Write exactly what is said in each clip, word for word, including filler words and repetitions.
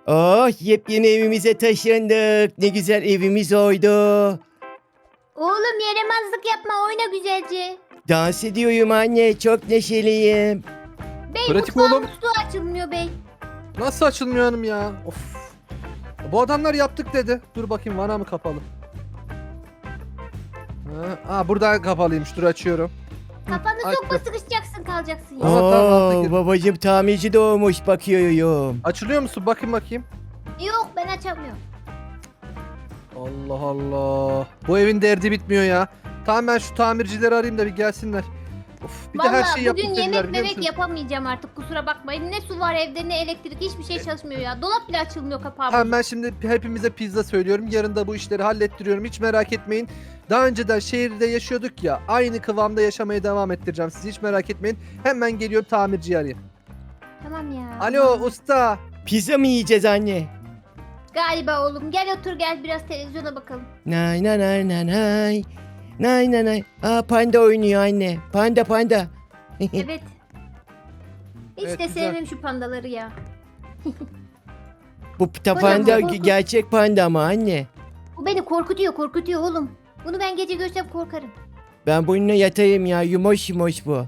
Oh, yepyeni evimize taşındık. Ne güzel evimiz oldu. Oğlum yaramazlık yapma, oyna güzelce. Dans ediyorum anne. Çok neşeliyim. Bey Pratik mutfağın oğlum. musluğu açılmıyor bey. Nasıl açılmıyor hanım ya? Of. Bu adamlar yaptık dedi. Dur bakayım vana mı kapalı? Ha, aa, buradan kapalıymış. Dur açıyorum. Kafanı Aç sokma, bak. sıkışacaksın kalacaksın ya. Tamam, tamam, altta Oo, gir. babacım tamirci doğmuş bakıyorum. Açılıyor musun? Bakayım bakayım. Yok, ben açamıyorum. Allah Allah. Bu evin derdi bitmiyor ya. Tamam, ben şu tamircileri arayayım da bir gelsinler. Of, bir de her Vallahi şeyi yaptık bugün dediler, yemek biliyor memek musun? yapamayacağım artık, kusura bakmayın. Ne su var evde ne elektrik, hiçbir şey çalışmıyor ya. Dolap bile açılmıyor, kapağı. Tamam, ben şimdi hepimize pizza söylüyorum. Yarın da bu işleri hallettiriyorum. Hiç merak etmeyin. Daha önceden şehirde yaşıyorduk ya. Aynı kıvamda yaşamaya devam ettireceğim sizi. Hiç merak etmeyin. Hemen geliyorum, tamirciyi arayayım. Tamam ya. Alo usta. Pizza mı yiyeceğiz anne? Galiba oğlum, gel otur gel, biraz televizyona bakalım. Nay nay nay nay nay. Nay nay nay. Aa, panda oynuyor anne. Panda panda. Evet. Hiç Evet, de güzel. sevmem şu pandaları ya. Bu pita Kocaman panda korkunç. gerçek panda ama anne. Bu beni korkutuyor korkutuyor oğlum. Bunu ben gece görsem korkarım. Ben bununla yatayım ya. Yumoş yumoş bu.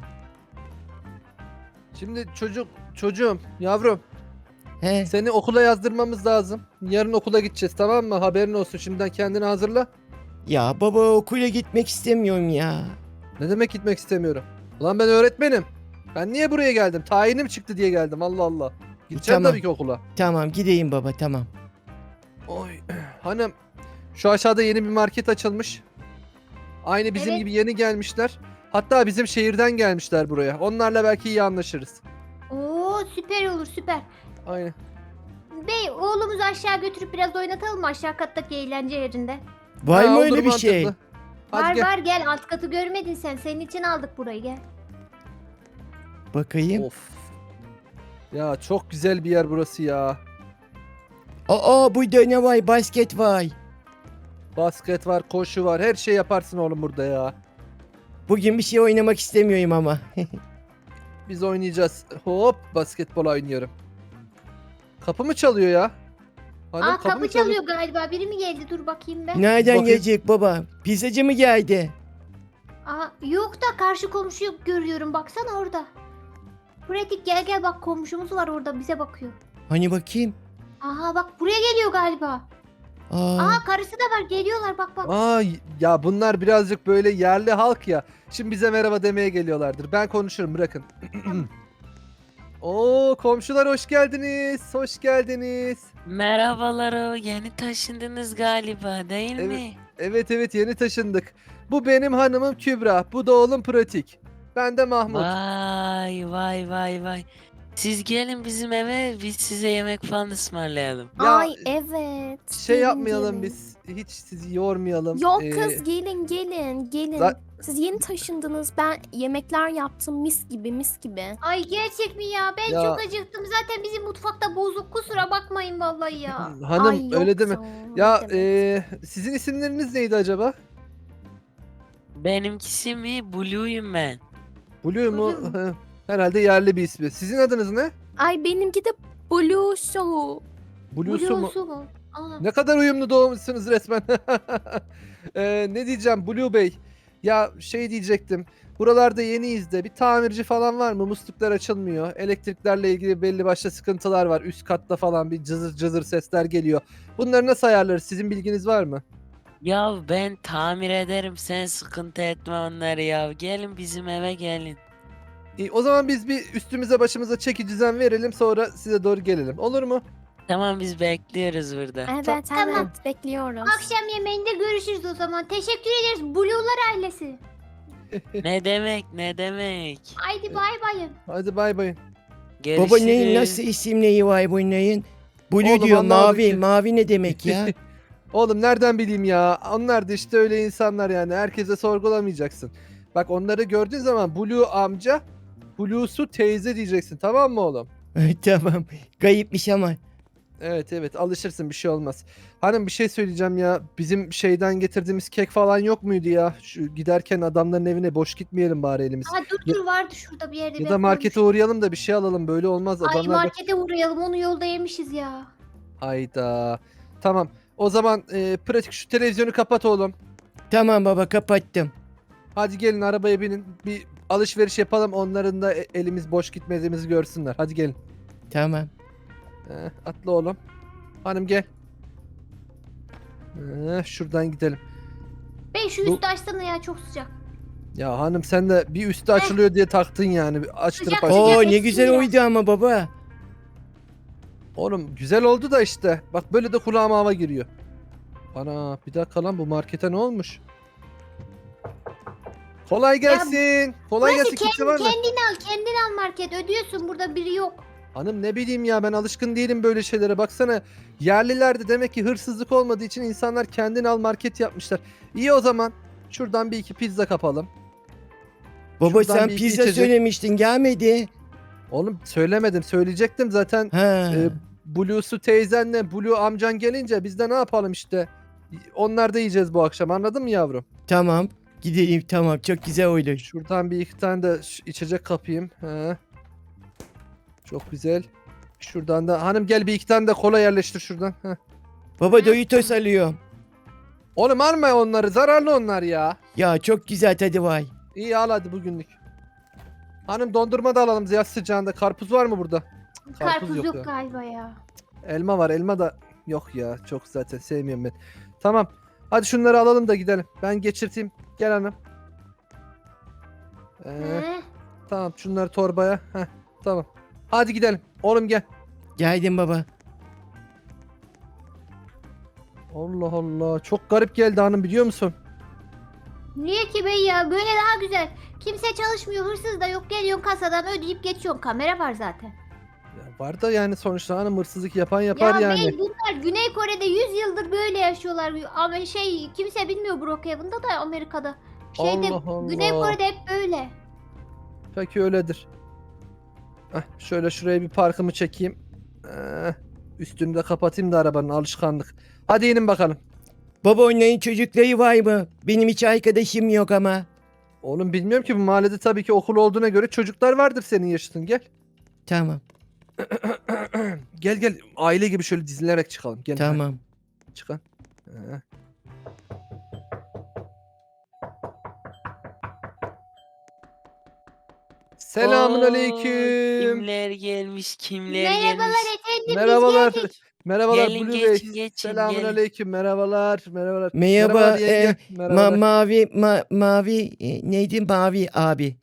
Şimdi çocuk çocuğum yavrum, He. seni okula yazdırmamız lazım. Yarın okula gideceğiz, tamam mı? Haberin olsun, şimdiden kendini hazırla. Ya baba okula gitmek istemiyorum ya. Ne demek gitmek istemiyorum? Ulan ben öğretmenim. Ben niye buraya geldim? Tayinim çıktı diye geldim, Allah Allah. Gideceğim Tamam. tabii ki okula. Tamam gideyim baba tamam. Oy. Hanım, şu aşağıda yeni bir market açılmış. Aynı bizim Evet. gibi yeni gelmişler. Hatta bizim şehirden gelmişler buraya. Onlarla belki iyi anlaşırız. Oo, süper olur süper. Aynen. Bey oğlumuzu aşağı götürüp biraz oynatalım mı aşağı kattaki eğlence yerinde? Var Ha, mı olur, öyle bir mantıklı. şey? Hadi var gel. var gel, alt katı görmedin sen. Senin için aldık burayı, gel. Bakayım. Of. Ya çok güzel bir yer burası ya. Aa burada ne var? Basket var. Basket var, koşu var. Her şey yaparsın oğlum burada ya. Bugün bir şey oynamak istemiyorum ama. Biz oynayacağız. Hop, basketbol oynuyorum. Kapı mı çalıyor ya? Hanım, Aa, kapı mı çalıyor galiba. Biri mi geldi? Dur bakayım ben. Nereden Bakayım. gelecek baba? Pizzacı mı geldi? Aa, yok da karşı komşuyu görüyorum. Baksana orada. Pratik gel gel, bak komşumuz var orada, bize bakıyor. Hani bakayım. Aha bak, buraya geliyor galiba. Aa, Aa, karısı da var, geliyorlar bak bak. Aa, ya bunlar birazcık böyle yerli halk ya. Şimdi bize merhaba demeye geliyorlardır. Ben konuşurum, bırakın. Oo, komşular hoş geldiniz. Hoş geldiniz. Merhabalar, o yeni taşındınız galiba değil Evet. mi? Evet evet, yeni taşındık. Bu benim hanımım Kübra. Bu da oğlum Pratik. Ben de Mahmut. Vay vay vay vay. Siz gelin bizim eve, biz size yemek falan ısmarlayalım. Ya, Ay evet. Şey gelin, yapmayalım gelin. biz. Hiç sizi yormayalım. Yok Ee, kız gelin gelin gelin. za- Siz yeni taşındınız. Ben yemekler yaptım mis gibi mis gibi. Ay gerçek mi ya? Ben Ya- çok acıktım. Zaten bizim mutfakta bozuk. Kusura bakmayın vallahi ya. Hanım Ay, yok öyle deme. canım, ne Ya demek. ee, sizin isimleriniz neydi acaba? Benimkisi mi? Blue'yum ben. Blue mu? Blue Herhalde yerli bir ismi. Sizin adınız ne? Ay benimki de Blue Show. Blue'su mu? Blue'su mu? Aa. Ne kadar uyumlu doğmuşsunuz resmen. Ee, ne diyeceğim Blue Bey? Ya şey diyecektim. Buralarda yeniyiz de bir tamirci falan var mı? Musluklar açılmıyor. Elektriklerle ilgili belli başlı sıkıntılar var. Üst katta falan bir cızır cızır sesler geliyor. Bunları nasıl ayarlarız? Sizin bilginiz var mı? Ya ben tamir ederim, sen sıkıntı etme onları ya. Gelin bizim eve gelin. İyi, o zaman biz bir üstümüze başımıza çeki düzen verelim, sonra size doğru gelelim. Olur mu? Tamam, biz bekliyoruz burada. Evet Tamam. evet bekliyoruz. Akşam yemeğinde görüşürüz o zaman. Teşekkür ederiz Blue'lar ailesi. Ne demek ne demek. Haydi bay bayın. Hadi bay bay. Görüşürüz. baba neyin nasıl isimleri var bunların? Blue Oğlum, diyor anlamadık mavi. ki. Mavi ne demek ya? Oğlum nereden bileyim ya? Onlar da işte öyle insanlar yani. Herkese sorgulamayacaksın. Bak, onları gördüğün zaman Blue amca, Blue'su teyze diyeceksin, tamam mı oğlum? Tamam. Kayıpmış ama. Evet evet, alışırsın, bir şey olmaz. Hanım bir şey söyleyeceğim ya. Bizim şeyden getirdiğimiz kek falan yok muydu ya? Şu giderken adamların evine boş gitmeyelim bari elimiz. Aa, dur dur, vardı şurada bir yerde. Ya ben da markete koymuştum. uğrayalım da bir şey alalım, böyle olmaz. Ay Adamlar bak- markete uğrayalım, onu yolda yemişiz ya. Hayda. Tamam. O zaman e, pratik şu televizyonu kapat oğlum. Tamam baba kapattım. Hadi gelin arabaya binin. Bir alışveriş yapalım. Onların da e- elimiz boş gitmediğimizi görsünler. Hadi gelin. Tamam. Eh, atla oğlum. Hanım gel. Eh, şuradan gidelim. Bey şu Bu- üstü açsana ya, çok sıcak. Ya hanım sen de bir üstü açılıyor diye taktın yani. Bir açtırıp Sıcak aç. sıcak. Oo ne eski güzel ya. oydu ama baba. Oğlum güzel oldu da işte. Bak böyle de kulağıma hava giriyor. Ana bir dakika lan bu markete ne olmuş? Kolay gelsin. Kolay Burası gelsin. Kimse kendi, var mı? kendin al, kendin al market. Ödüyorsun, burada biri yok. Hanım ne bileyim ya ben alışkın değilim böyle şeylere. Baksana yerlilerde demek ki hırsızlık olmadığı için insanlar kendini al market yapmışlar. İyi o zaman. Şuradan bir iki pizza kapalım. Baba Şuradan sen bir iki pizza içecek. söylemiştin gelmedi. Oğlum söylemedim. Söyleyecektim zaten. Ha. E, Blue'su teyzenle Blue amcan gelince biz de ne yapalım işte. Onlar da yiyeceğiz bu akşam anladın mı yavrum? Tamam. Gidelim tamam çok güzel oydu. Şuradan bir iki tane de ş- içecek kapayım. He. Çok güzel. Şuradan da hanım gel bir iki tane de kola yerleştir şuradan. Heh. Baba Doritos alıyorum. Oğlum alma onları zararlı onlar ya. Ya çok güzel tadı var. İyi al hadi bugünlük. Hanım dondurma da alalım yaz sıcağında. Karpuz var mı burada? Cık, Karpuz, yok, ya. galiba ya. Elma var elma da yok ya. Çok zaten sevmiyorum ben. Tamam. Hadi şunları alalım da gidelim. Ben geçirteyim. Gel hanım. Ee, He. tamam şunları torbaya. Heh, tamam. Hadi gidelim. Oğlum gel. Geldim baba. Allah Allah. Çok garip geldi hanım biliyor musun? Niye ki bey ya? Böyle daha güzel. Kimse çalışmıyor, hırsız da yok. Geliyorsun kasadan ödeyip geçiyorsun. Kamera var zaten. Ya var da yani sonuçta hanım hırsızlık yapan yapar ya yani. bey bunlar Güney Kore'de yüz yıldır böyle yaşıyorlar. Ama şey kimse bilmiyor Brookhaven'da da Amerika'da. Şeyde Allah Allah. Güney Kore'de hep böyle. Peki öyledir. Heh, şöyle şuraya bir parkımı çekeyim. Eh, üstünü de kapatayım da arabanın alışkanlık. Hadi inin bakalım. Baba onların çocukları var mı? Benim hiç arkadaşım yok ama. Oğlum bilmiyorum ki bu mahallede tabii ki okul olduğuna göre çocuklar vardır senin yaşıtın gel. Tamam. Gel gel aile gibi şöyle dizilerek çıkalım. Gel. Tamam. heh, Çıkalım. Eh. Selamun Oo, aleyküm. Kimler gelmiş kimler Merhabalar gelmiş. efendim, Merhabalar. biz geldik. Merhabalar Gelin, Blue geçin, Bey. geçin, Selamun gelin. aleyküm. Merhabalar. Merhabalar. Merhaba, Merhabalar yenge. e, Merhabalar. Ma mavi ma mavi e, neydi mavi abi.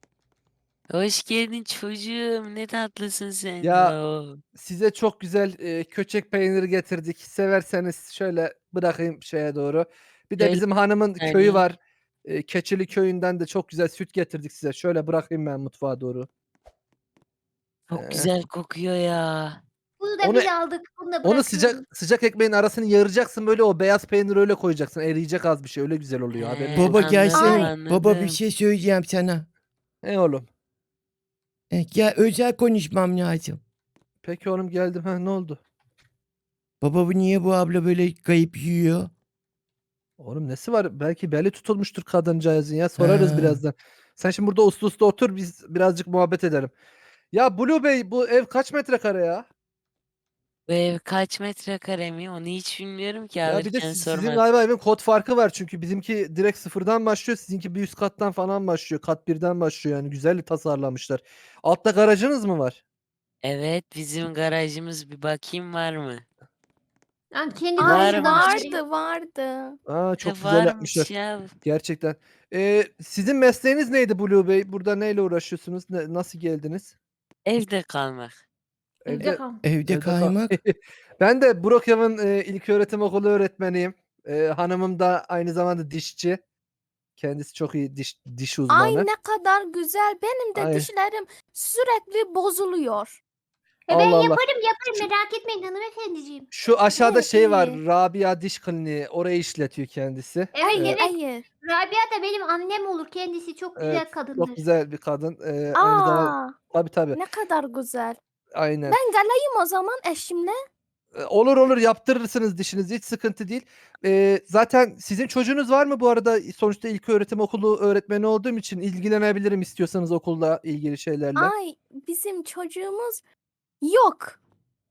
Hoş geldin çocuğum. Ne tatlısın sen. Ya, Oo. Size çok güzel e, köçek peyniri getirdik. Severseniz şöyle bırakayım şeye doğru. Bir de Şöyle bizim hanımın yani. köyü var. E, Keçili köyünden de çok güzel süt getirdik size. Şöyle bırakayım ben mutfağa doğru. Çok Ee, güzel kokuyor ya. Bunu da Onu- biz aldık. Bunu da Onu bırakıyoruz. sıcak sıcak ekmeğin arasını yaracaksın böyle o beyaz peyniri öyle koyacaksın. Eriyecek az bir şey öyle güzel oluyor. Haberin Ee, olsun. Baba anladım, gelsene. Baba bir anladım. şey söyleyeceğim sana. Ne oğlum? E, gel özel konuşmam lazım. Peki oğlum geldim. Ha ne oldu? Baba bu niye bu abla böyle kayıp yiyor? Oğlum nesi var? Belki beli tutulmuştur kadıncağızın ya. Sorarız Ha. birazdan. Sen şimdi burada uslu uslu otur biz birazcık muhabbet edelim. Ya Blue Bey bu ev kaç metrekare ya? Bu ev kaç metrekare mi? Onu hiç bilmiyorum ki Ya bir de alırken siz- sizin sormadım. galiba evin kod farkı var çünkü bizimki direkt sıfırdan başlıyor. Sizinki bir üst kattan falan başlıyor. Kat birden başlıyor yani güzel tasarlamışlar. Altta garajınız mı var? Evet bizim garajımız bir bakayım var mı? Yani kendi Var Ay mı? karşıdan vardı vardı. Aa çok E, güzel yapmışlar. varmış ya. Gerçekten. Ee, sizin mesleğiniz neydi Blue Bey? Burada neyle uğraşıyorsunuz? Ne- nasıl geldiniz? Evde kalmak. Evde kal. Evde Evde kal- kaymak. Ben de Brookhaven e, İlköğretim Okulu öğretmeniyim. E, hanımım da aynı zamanda dişçi. Kendisi çok iyi diş diş uzmanı. Ay ne kadar güzel. Benim de Ay. dişlerim sürekli bozuluyor. E ben Allah Allah. yaparım yaparım, merak etmeyin hanımefendiciğim. Şu aşağıda Evet, şey var. iyi. Rabia Diş Kliniği. Orayı işletiyor kendisi. Evet Hayır evet. hayır. Rabia da benim annem olur. Kendisi çok güzel Evet, kadındır. çok güzel bir kadın. E, aynı zamanda Aa tabii tabii. ne kadar güzel. Aynen. Ben geleyim o zaman eşimle. E, Olur olur yaptırırsınız dişinizi hiç sıkıntı değil. E, zaten sizin çocuğunuz var mı bu arada? Sonuçta ilköğretim okulu öğretmeni olduğum için ilgilenebilirim istiyorsanız okulla ilgili şeylerle. Ay bizim çocuğumuz yok.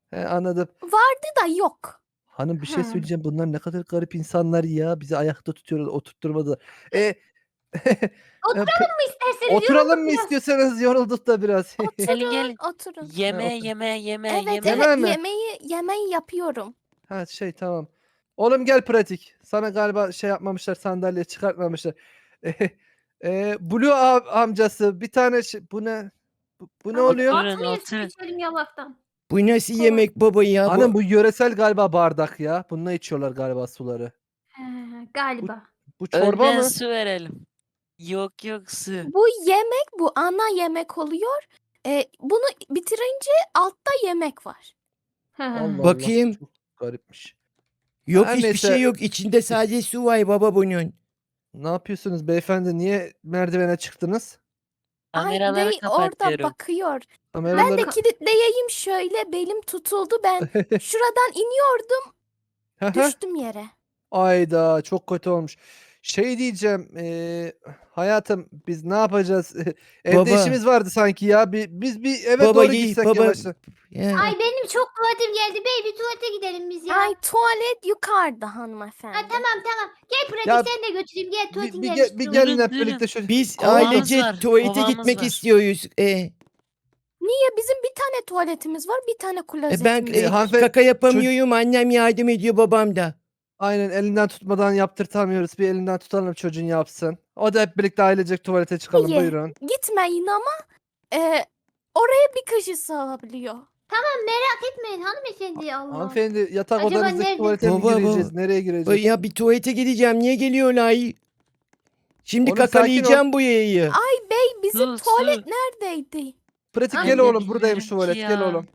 He, anladım. Vardı da yok. Hanım bir şey Ha. söyleyeceğim. Bunlar ne kadar garip insanlar ya. Bizi ayakta tutuyorlar, oturtturmadılar. E, Oturalım mı isterseniz? oturalım Yorulduk mı biraz. istiyorsanız, yorulduk da biraz. Gelin gelin. Oturun. Yemeğe otur. yemeğe yemeğe Evet yemeğe. Yemeğe evet mi? yemeği yemeği yapıyorum. Ha şey tamam. Oğlum gel pratik. Sana galiba şey yapmamışlar, sandalye çıkartmamışlar. E, Blue a- amcası bir tane şey, bu ne? Bu, bu ne Ama oluyor? Oturun, Atmayız oturun. içelim yalaktan. Bu nasıl Kolay. yemek baba ya? Hanım Bu, bu yöresel galiba bardak ya. Bununla içiyorlar galiba suları. He, galiba. Bu çorba Önden mı? su verelim. Yok yok su. Bu yemek bu ana yemek oluyor. Ee, bunu bitirince altta yemek var. He. Allah Bakayım. Allah. Çok garipmiş. yok Her hiçbir neyse. şey yok. İçinde sadece su var baba bunun. Ne yapıyorsunuz beyefendi? Niye merdivene çıktınız? Ay Kameraları bey orada kapatıyorum. bakıyor. Kameraları... Ben de kilitleyeyim şöyle belim tutuldu ben. Şuradan iniyordum Hı hı. düştüm yere. Ayda çok kötü olmuş. Şey diyeceğim, eee, hayatım biz ne yapacağız? Evde Baba. işimiz vardı sanki ya. Bir, biz bir eve Baba doğru iyi, gitsek baba. yavaştan. Ya. Ay benim çok tuvaletim geldi. Bey bir tuvalete gidelim biz ya. Ay tuvalet yukarıda hanımefendi. Ha, tamam tamam. Gel pratik Ya, sen de götüreyim. Gel Bir, tuvaletin bir, gelmiş. ge- bir durumda. gelin hep Durun, birlikte şöyle. Biz Kovamız ailece var, tuvalete kovamız gitmek var. istiyoruz. E, Niye bizim bir tane tuvaletimiz var bir tane e, klozetimiz ben E, e, var. hanımefendi- kaka yapamıyorum. Annem yardım ediyor, babam da. Aynen elinden tutmadan yaptırtamıyoruz. Bir elinden tutalım çocuğun yapsın. O da hep birlikte ailecek tuvalete çıkalım. İyi. Buyurun. Gitmeyin ama e, oraya bir kişi sığabiliyor. Merak etmeyin hanımefendi Allah. Hanımefendi yatak Acaba odanızdaki nerede? tuvalete mi Baba, gireceğiz? baba. Nereye Ba- gireceğiz? Ya bir tuvalete gideceğim. Niye geliyorlar? Şimdi Oğlum, sakin kakalayacağım bu yayı. Ay bey bizim Su, tuvalet su. neredeydi? Pratik Ay, gel ne oğlum. Buradaymış bilmiyorum tuvalet. ki Gel ya. oğlum.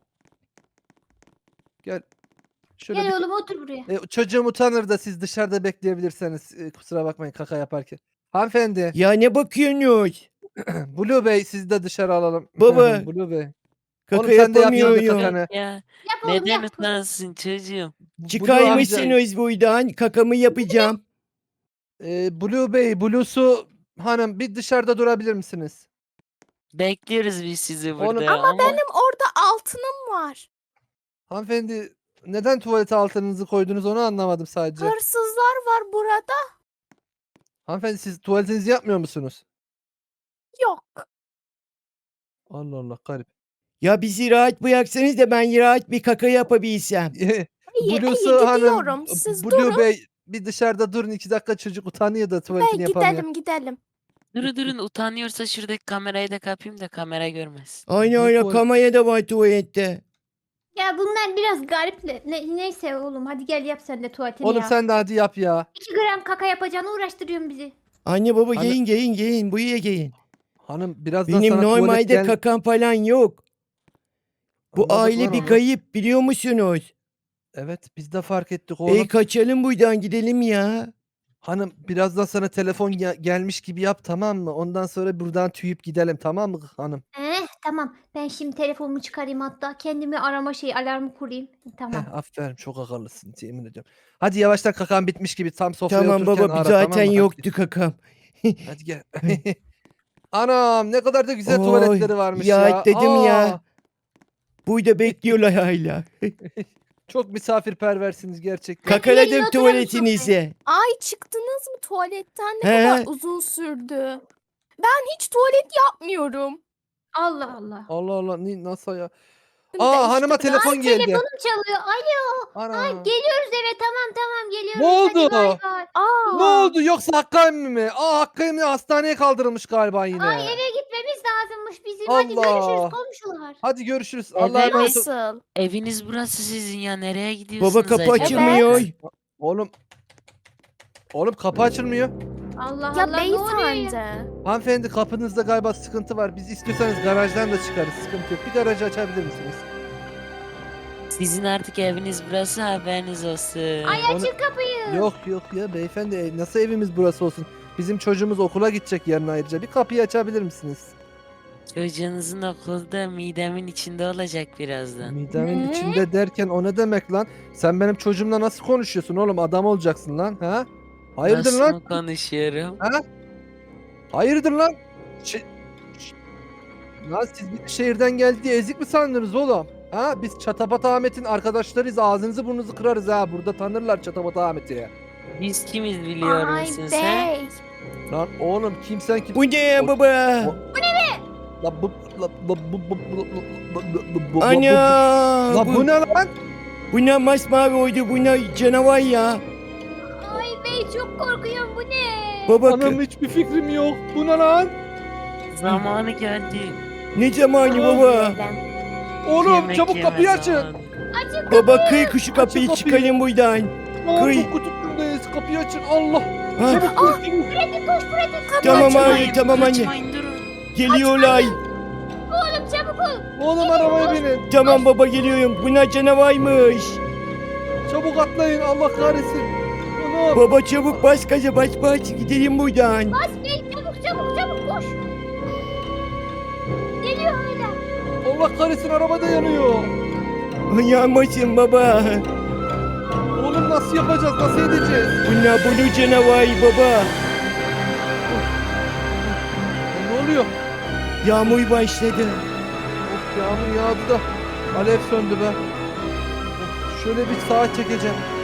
Gel. Şöyle Gel bir... oğlum otur buraya. E, çocuğum utanır da siz dışarıda bekleyebilirseniz. E, kusura bakmayın kaka yaparken. Hanımefendi. Ya ne bakıyorsunuz? Blue Bey sizi de dışarı alalım. Baba. Blue Bey. Kaka Oğlum sen de yap yanında yapamıyorum. kakanı. Ya Yap oğlum neden yap. utansın çocuğum? Blue Çıkar amca- mısınız buradan? Kakamı yapacağım. E, Blue Bey, Blue'su hanım bir dışarıda durabilir misiniz? Bekliyoruz biz sizi Oğlum, burada ama ama, Benim orada altınım var. Hanımefendi neden tuvalete altınızı koydunuz onu anlamadım sadece. Hırsızlar var burada. Hanımefendi siz tuvaletinizi yapmıyor musunuz? Yok. Allah Allah garip. Ya bizi rahat bıraksanız da ben rahat bir kaka yapabilsem. İyi, Blue'su iyi hanım, gidiyorum. Siz Blue durun Bey bir dışarıda durun iki dakika çocuk utanıyor da ve tuvaletini yapamıyor. gidelim gidelim. durun durun utanıyorsa şuradaki kamerayı da kapayım da kamera görmez. Aynen Bu öyle tuvalet- kamaya da var tuvalette. Ya bunlar biraz garip. Ne, neyse oğlum hadi gel yap sen de tuvaletini Oğlum ya. sen de hadi yap ya. iki gram kaka yapacağını uğraştırıyorsun bizi. Anne baba Anne- gelin gelin gelin buraya gelin. Hanım birazdan Benim sana tuvalet normalde gel... kakam falan yok. Bu Anladık aile lan bir onu. kayıp biliyor musunuz? Evet biz de fark ettik oğlum. Ey kaçalım buradan gidelim ya. Hanım birazdan sana telefon gel- gelmiş gibi yap tamam mı? Ondan sonra buradan tüyüp gidelim tamam mı hanım? Eh tamam ben şimdi telefonumu çıkarayım hatta kendimi arama şey alarmı kurayım. Tamam. Heh, aferin çok akıllısın yemin ediyorum. Hadi yavaştan kakan bitmiş gibi tam sofraya Tamam otururken baba ara, zaten tamam mı? yoktu kakam. Hadi, hadi gel. Anam ne kadar da güzel tuvaletleri Oy, varmış ya ya. dedim ya. Aa, Burada bekliyorlar hala. Çok misafirperversiniz gerçekten. Gelin Kakaladım oturalım tuvaletinize. Ay çıktınız mı tuvaletten ne He. kadar uzun sürdü. Ben hiç tuvalet yapmıyorum. Allah Allah. Allah Allah ni- nasıl ya? Şimdi Aa işte hanıma biraz- telefon geldi. Telefonum çalıyor. Alo. Ana. Geliyoruz eve tamam tamam geliyoruz. Ne oldu? Hadi bay bay. Aa, Ne oldu yoksa Hakkı emmi mi? Aa Hakkı emmi hastaneye kaldırılmış galiba yine. Ay eve gitmemiz lazımmış bizim. Hadi Allah. görüşürüz komşular. Hadi görüşürüz. Evet. Allah'a emanet ol. Nasıl? Eviniz burası sizin ya nereye gidiyorsunuz Baba kapı acaba? açılmıyor. Oğlum. Oğlum kapı açılmıyor. Allah Ya Allah ne oluyor ya? beyefendi. Hanımefendi kapınızda galiba sıkıntı var. Biz istiyorsanız garajdan da çıkarız. Sıkıntı yok. Bir garajı açabilir misiniz? Sizin artık eviniz burası haberiniz olsun. Ay Onu- açın kapıyı. Yok yok ya beyefendi e, nasıl evimiz burası olsun? Bizim çocuğumuz okula gidecek yarın ayrıca. Bir kapıyı açabilir misiniz? Çocuğunuzun okulda midemin içinde olacak birazdan. Midemin Ne? içinde derken o ne demek lan? Sen benim çocuğumla nasıl konuşuyorsun oğlum? Adam olacaksın lan. Ha? Hayırdır Nasıl lan? mı konuşuyorum? Ha? Hayırdır lan? Şey... Ş- Lan siz bir şehirden geldi diye ezik mi sandınız oğlum? Ha biz Çatapat Ahmet'in arkadaşlarıyız. Ağzınızı burnunuzu kırarız ha. Burada tanırlar Çatapat Ahmet'i. Biz kimiz biliyor Ay musun sen? bey. Lan oğlum kim sen kim? Bu ne ya baba? La bu la bu bu bu bu bu Ana. La bu ne lan? Bu ne masmavi oydu, bu ne canavar ya. Ay bey çok korkuyorum bu ne? Baba Anam hiçbir fikrim yok. Bu ne lan? Zamanı geldi. ne zamanı baba? Oğlum Yemek çabuk yeme kapıyı açın. zamanı. Açın Baba kıy kuşu kapıyı kapıyı. çıkarın buradan. Aa, Kıy. çok kötü durumdayız. Kapıyı açın. Allah. Ha, Çabuk koş, çabuk. Pratik koş pratik. tamam Kaçmayın, abi tamam anne. kaçmayın, durun. Geliyorlar. Oğlum çabuk ol. Oğlum arabaya binin. Tamam baba geliyorum. Bu ne canavarmış. Çabuk atlayın. Allah kahretsin. Anam. Baba çabuk bas gaza bas bas gidelim buradan. Bas bey çabuk çabuk çabuk koş. Geliyor hala. Allah kahretsin araba da yanıyor. Yanmasın baba. Oğlum nasıl yapacağız? Nasıl edeceğiz? Bu ne bunu canavar baba. Ne oluyor? Yağmur başladı. Of yağmur yağdı da alev söndü be. Of, şöyle bir sağa çekeceğim.